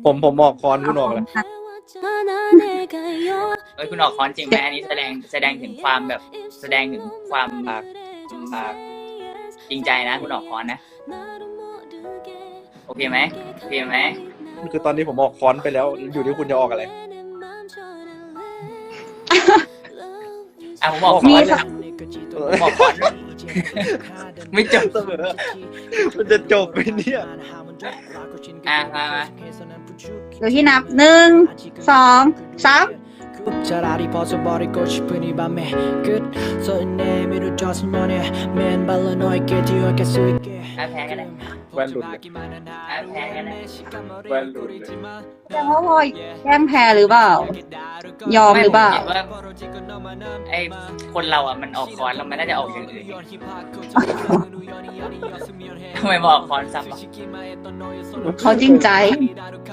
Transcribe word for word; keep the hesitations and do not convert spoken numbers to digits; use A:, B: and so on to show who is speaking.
A: ผมผมออกคอนคุณออกแล้ว
B: เอ้ยคุณออกคอนจริงไหมอันนี้แสดงแสดงถึงความแบบแสดงถึงความอ่าอ่าจริงใจนะคุณออกคอนนะโอเคไหมโอเคไหม
A: คือตอนนี้ผมออกคอนไปแล้วอยู่ที่คุณจะออกอะไร
B: อ่ะผมออกค
C: มี
B: อน
C: สัก
B: ผมออกคอนไม่จบ
A: เสมอมันจะจบไปเนี่ย
B: อ่ะมามา
C: เดี๋ยวที่นับหนึ่งสองสาม
D: 차라리 벗어버리고 싶은 이 밤에 끝서 내밀어져서 너네 맨발로 너에게 기억할 수 있게
B: อ่ะแพ้กันเลย
A: แว่นหลุดเลย
B: อ่ะแพ้กันเลย
A: แว่นหลุดเลย
C: แสดงว่าพลอยแกล้งแพ้หรือเปล่า ยอมหรือเปล่า
B: ไม่ผมคิดว่าไอ้คนเราอ่ะมันออกคอนแล้วมันน่าจะออกอย่างอื่นทำไมมาออกคอนซ้ำวะ
C: เขาจริงใจ